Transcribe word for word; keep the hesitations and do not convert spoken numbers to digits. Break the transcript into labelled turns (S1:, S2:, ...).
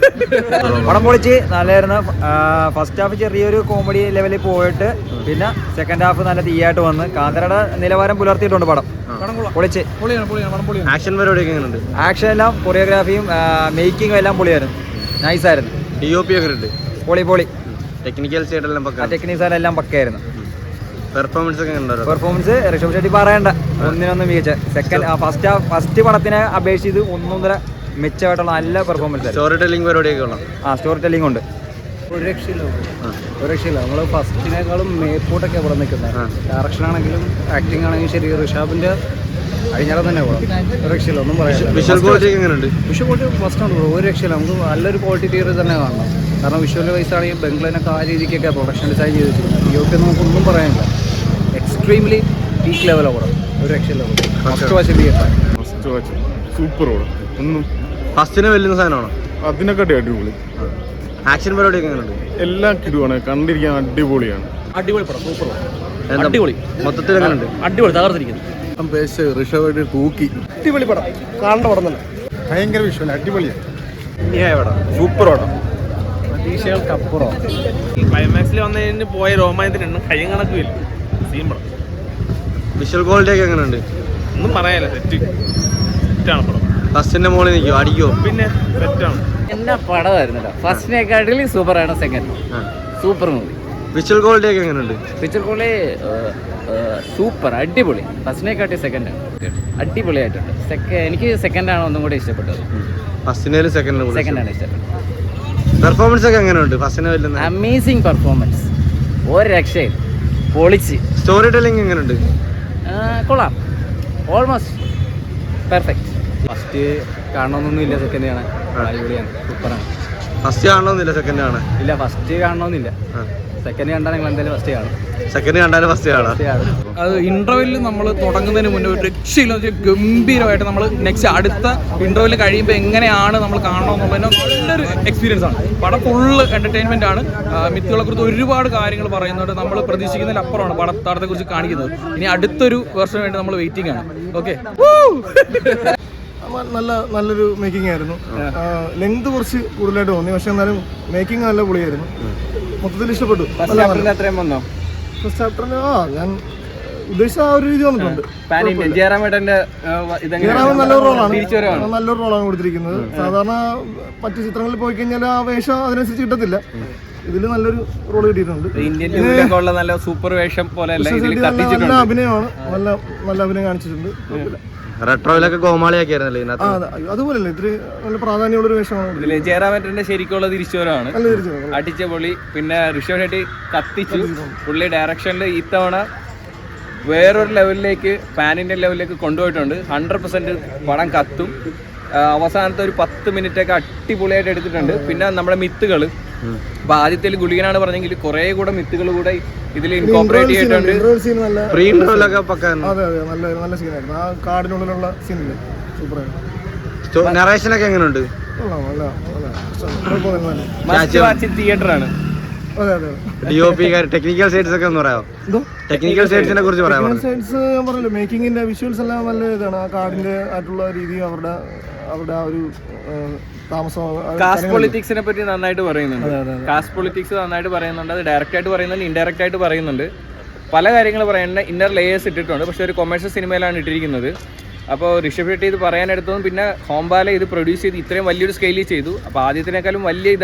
S1: പടം പൊളിച്ച് നല്ലായിരുന്നു. ഫസ്റ്റ് ഹാഫ് ചെറിയൊരു കോമഡി ലെവലിൽ പോയിട്ട് പിന്നെ സെക്കൻഡ് ഹാഫ് നല്ല തീയായിട്ട് വന്ന് കാന്തരയുടെ നിലവാരം പുലർത്തിയിട്ടുണ്ട് പടം. പൊളിച്ച്
S2: ആക്ഷൻ പരിപാടിയൊക്കെ എങ്ങനെയുണ്ട്?
S1: ആക്ഷൻ എല്ലാം കൊറിയോഗ്രാഫിയും മേക്കിങ്ങും എല്ലാം പൊളിയായിരുന്നു. നൈസായിരുന്നു.
S2: ഡി ഒ പി ഒക്കെ ഉണ്ട്.
S1: പൊളി പൊളി
S2: ടെക്നിക്കൽ സൈഡെല്ലാം പക്ക.
S1: ടെക്നിക് സൈഡ് എല്ലാം പക്കയായിരുന്നു.
S2: പെർഫോമൻസ് ഒക്കെ ഉണ്ടായിരുന്നു.
S1: പെർഫോമൻസ് ഋഷഭ് ഷെട്ടി പറയണ്ട, ഒന്നിനൊന്നും മികച്ച. സെക്കൻഡ് ഫസ്റ്റ് ഫസ്റ്റ് പടത്തിനെ അപേക്ഷിച്ച് ഒന്നൊന്നര മെച്ചമായിട്ടുള്ള നല്ല പെർഫോമൻസ്.
S2: സ്റ്റോറി ടെല്ലിംഗ് പരിപാടിയൊക്കെ ഉള്ള
S1: ആ സ്റ്റോറി ടെല്ലിംഗ് ഉണ്ട്.
S3: ഒരു രക്ഷയില്ല, ഒരു രക്ഷയില്ല. നമ്മൾ ഫസ്റ്റിനേക്കാളും മേപ്പോട്ടൊക്കെ ഇവിടെ നിൽക്കുന്നത്. ഡയറക്ഷൻ ആണെങ്കിലും ആക്ടിങ് ആണെങ്കിലും ശരി. ഋഷാബിന്റെ കഴിഞ്ഞാലും തന്നെ പോകാം. ഒരു രക്ഷയില്ല, ഒന്നും പറയാം.
S2: വിഷ്വൽ ക്വാളിറ്റി എങ്ങനെയുണ്ട്?
S3: വിഷ്വൽ ക്വാളിറ്റി ഫസ്റ്റ് ആണ്. ഒരു രക്ഷയില്ല. നമുക്ക് നല്ലൊരു ക്വാളിറ്റി തിയറി തന്നെ കാണണം. കാരണം വിഷ്വൽ വൈസ് ആണെങ്കിൽ ബംഗ്ലാനൊക്കെ ആ രീതിക്കൊക്കെ പ്രൊഡക്ഷൻ ഡിസൈൻ ചെയ്ത് വെച്ചിട്ടുണ്ട്. ഈ ഒക്കെ നമുക്കൊന്നും പറയാനില്ല. എക്സ്ട്രീംലി പീക്ക് ലെവലാണ് പടം. ഒരു രക്ഷയില്ല. ഫസ്റ്റ് വാച്ച് തിയേറ്റർ
S4: സൂപ്പർ പടം. ഒന്നും
S2: ഫസ്റ്റിനെ വെല്ലുന്ന സാധനമാണോ?
S4: അതിനെക്കാട്ടി അടിപൊളി.
S2: ആക്ഷൻ പരിപാടിയൊക്കെ എങ്ങനെയുണ്ട്?
S4: എല്ലാം കിടുവാണ്, കണ്ടിരിക്കാൻ അടിപൊളിയാണ്.
S3: അടിപൊളി പടം, സൂപ്പർ പടം.
S2: അടിപൊളി. മൊത്തത്തിൽ എങ്ങനെയുണ്ട്?
S3: അടിപൊളി, തകർത്തിരിക്കുന്നു.
S4: ഋഷഭ തൂക്കി.
S3: അടിപൊളി പടം, കാണേണ്ട പടം തന്നെ.
S4: ഭയങ്കര വിഷ്വൽ, അടിപൊളിയാണ്.
S2: സൂപ്പർ പടം.
S3: പ്രതീക്ഷകൾക്കപ്പുറം.
S5: ക്ലൈമാക്സിൽ വന്നതിന് പോയ രോമായത്തിനുണ്ട് കയ്യും കണക്കുമില്ല. സീൻ പടം.
S2: വിഷ്വൽ ക്വാളിറ്റി ഒക്കെ എങ്ങനെയുണ്ട്?
S5: ഒന്നും പറയാനില്ല. സെറ്റ് സെറ്റാണ് പടം.
S2: ഫസ്റ്റിന്റെ മോളിൽ നിൽക്കുമോ? അടിക്കോ?
S5: പിന്നെ സെറ്റാണ്.
S3: എന്നാ പടമായിരുന്നല്ലോ. ഫസ്റ്റിനെക്കാട്ടിലും സൂപ്പറാണ് second. Super movie.
S2: Visual quality ഒക്കെ എങ്ങനെയുണ്ട്?
S3: പിക്ചർ ക്വാളിറ്റി സൂപ്പർ, അടിപൊളി. ഫസ്റ്റിനെക്കാട്ടി സെക്കൻഡാണ് അടിപൊളിയായിട്ടുണ്ട്. സെക്കൻഡ് എനിക്ക് സെക്കൻഡാണ് ഒന്നും കൂടി ഇഷ്ടപ്പെട്ടത്.
S2: ഫസ്റ്റിനേലും സെക്കൻഡിലും
S3: സെക്കൻഡാണ് ഇഷ്ടപ്പെട്ടത്.
S2: പെർഫോമൻസ് ഒക്കെ എങ്ങനെയുണ്ട്? ഫസ്റ്റിനെ വെല്ലുന്ന
S3: അമേസിങ് പെർഫോമൻസ്, ഒരു രക്ഷയിൽ പൊളിച്ച്.
S2: സ്റ്റോറി ടെല്ലിംഗ് എങ്ങനെയുണ്ട്?
S3: കൊള്ളാം, ഓൾമോസ്റ്റ് പെർഫെക്റ്റ്. ഫസ്റ്റ് കാണണമെന്നൊന്നും ഇല്ല, സെക്കൻഡ് കാണാൻ അടിപൊളിയാണ്, സൂപ്പറാണ്.
S2: ഫസ്റ്റ് കാണണമെന്നില്ല, സെക്കൻഡ് ആണ്.
S3: ഇല്ല, ഫസ്റ്റ് കാണണമെന്നില്ല. സെക്കൻഡ് കണ്ടാൽ നിങ്ങൾ എന്തായാലും ഫസ്റ്റ് കാണും.
S2: സെക്കൻഡ് കണ്ടാലും ഫസ്റ്റ് കാണാം.
S6: അത് ഇന്റർവെല്ലിൽ നമ്മൾ തുടങ്ങുന്നതിന് മുന്നേ ഒരു രക്ഷയില്ല, ഗംഭീരമായിട്ട് നമ്മൾ നെക്സ്റ്റ് അടുത്ത ഇന്റർവെല്ലിൽ കഴിയുമ്പോൾ എങ്ങനെയാണ് നമ്മൾ കാണണമെന്നുള്ളതിന് നല്ലൊരു എക്സ്പീരിയൻസ് ആണ്. പടം ഫുള്ള് എന്റർടൈൻമെന്റ് ആണ്. മിത്തുകളെ കുറിച്ച് ഒരുപാട് കാര്യങ്ങൾ പറയുന്നുണ്ട്. നമ്മൾ പ്രതീക്ഷിക്കുന്നതിൽ അപ്പുറമാണ് പടത്താടത്തെ കുറിച്ച് കാണിക്കുന്നത്. ഇനി അടുത്തൊരു വേർഷന് വേണ്ടി നമ്മൾ വെയിറ്റിംഗ് ആണ്. ഓക്കെ,
S4: നല്ല നല്ലൊരു മേക്കിംഗ് ആയിരുന്നു. ലെങ്ത് കുറച്ച് കൂടുതലായിട്ട് തോന്നി, പക്ഷെ എന്നാലും മേക്കിംഗ് നല്ല പൊളിയായിരുന്നു. മൊത്തത്തിൽ ഇഷ്ടപ്പെട്ടു.
S3: അത്രയും വന്നോ?
S4: ഫസ്റ്റ് ചാപ്റ്ററിന് ആ ഞാൻ ഉദ്ദേശിച്ച ആ ഒരു രീതി വന്നിട്ടുണ്ട്.
S3: ജയറാമേട്ടന്റെ
S4: ജയറാമൻ നല്ലൊരു റോളാണ് നല്ലൊരു റോളാണ് കൊടുത്തിരിക്കുന്നത്. സാധാരണ മറ്റു ചിത്രങ്ങളിൽ പോയി കഴിഞ്ഞാൽ ആ വേഷം അതിനനുസരിച്ച് കിട്ടത്തില്ല. ഇതിൽ നല്ലൊരു റോൾ കിട്ടിയിട്ടുണ്ട്.
S3: നല്ല സൂപ്പർ വേഷം പോലെ
S4: നല്ല അഭിനയമാണ്, നല്ല നല്ല അഭിനയം കാണിച്ചിട്ടുണ്ട്.
S2: റെട്രോയിലൊക്കെ കോമാളിയാക്കിയായിരുന്നല്ലേ?
S4: അതുപോലല്ലേ, ഇത്തിരി നല്ല പ്രാധാന്യമുള്ളൊരു വേഷമാണ്.
S3: ജയറാമേട്ടന്റെ ശരിക്കുള്ള തിരിച്ചുവരവാണ്. അടിച്ച പൊളി. പിന്നെ ഋഷഭ് ഷെട്ടി കത്തിച്ചു. പുള്ളി ഡയറക്ഷനിൽ ഇത്തവണ വേറൊരു ലെവലിലേക്ക്, പാൻ ഇന്ത്യൻ ലെവലിലേക്ക് കൊണ്ടുപോയിട്ടുണ്ട്. ഹൺഡ്രഡ് പെർസെന്റ് പടം കത്തും. അവസാനത്തെ ഒരു പത്ത് മിനിറ്റ് ഒക്കെ അടിപൊളിയായിട്ട് എടുത്തിട്ടുണ്ട്. പിന്നെ നമ്മുടെ മിത്തുകൾ, അപ്പൊ ആദ്യത്തിൽ ഗുളികനാണ് പറഞ്ഞെങ്കിൽ കുറെ കൂടെ മിത്തുകൾ കൂടെ ഇതിൽ ഇൻകോർപ്പറേറ്റ് ചെയ്തിട്ടുണ്ട്.
S2: പ്രീ ഇന്റർവെല്ലൊക്കെ പക്കാൻ
S4: നല്ല സീനായിരുന്നു. ആ കാടിനുള്ളിലുള്ള സീനില്ലേ, സൂപ്പറായിരുന്നു.
S2: നറേഷനൊക്കെ എങ്ങനെയുണ്ട്?
S3: തിയേറ്ററാണ്.
S2: D O P technical sides ഒക്കെ ഒന്ന് പറയാമോ? ടെക്നിക്കൽ സൈഡ്സിനെ കുറിച്ച് പറയാമോ?
S4: സൈഡ്സ് പറഞ്ഞല്ലോ, മേക്കിങ്ങിന്റെ വിഷ്വൽസ് എല്ലാം നല്ല ഇതാണ്. ആ കാടിന്റെ ആയിട്ടുള്ള രീതിയും അവരുടെ അവരുടെ ആ ഒരു താമസം.
S3: കാസ്റ്റ് പൊളിറ്റിക്സിനെ പറ്റി നന്നായിട്ട് പറയുന്നുണ്ട്. കാസ്റ്റ് പൊളിറ്റിക്സ് നന്നായിട്ട് പറയുന്നുണ്ട്. അത് ഡയറക്റ്റ് ആയിട്ട് പറയുന്നുണ്ട്, ഇൻഡയറക്റ്റ് ആയിട്ട് പറയുന്നുണ്ട്. പല കാര്യങ്ങൾ പറയുന്നുണ്ട്. ഇന്നർ ലേയേഴ്സ് ഇട്ടിട്ടുണ്ട്. പക്ഷെ ഒരു കൊമേഴ്ഷ്യൽ സിനിമയിലാണ് ഇട്ടിരിക്കുന്നത്. അപ്പോൾ ഋഷഭ് ഷെട്ടി ഇത് പറയാനെടുത്തതും പിന്നെ ഹോംബാല ഇത് പ്രൊഡ്യൂസ് ചെയ്ത് ഇത്രയും വലിയൊരു സ്കെയിലിൽ ചെയ്തു. അപ്പോൾ ആദ്യത്തിനേക്കാളും വലിയ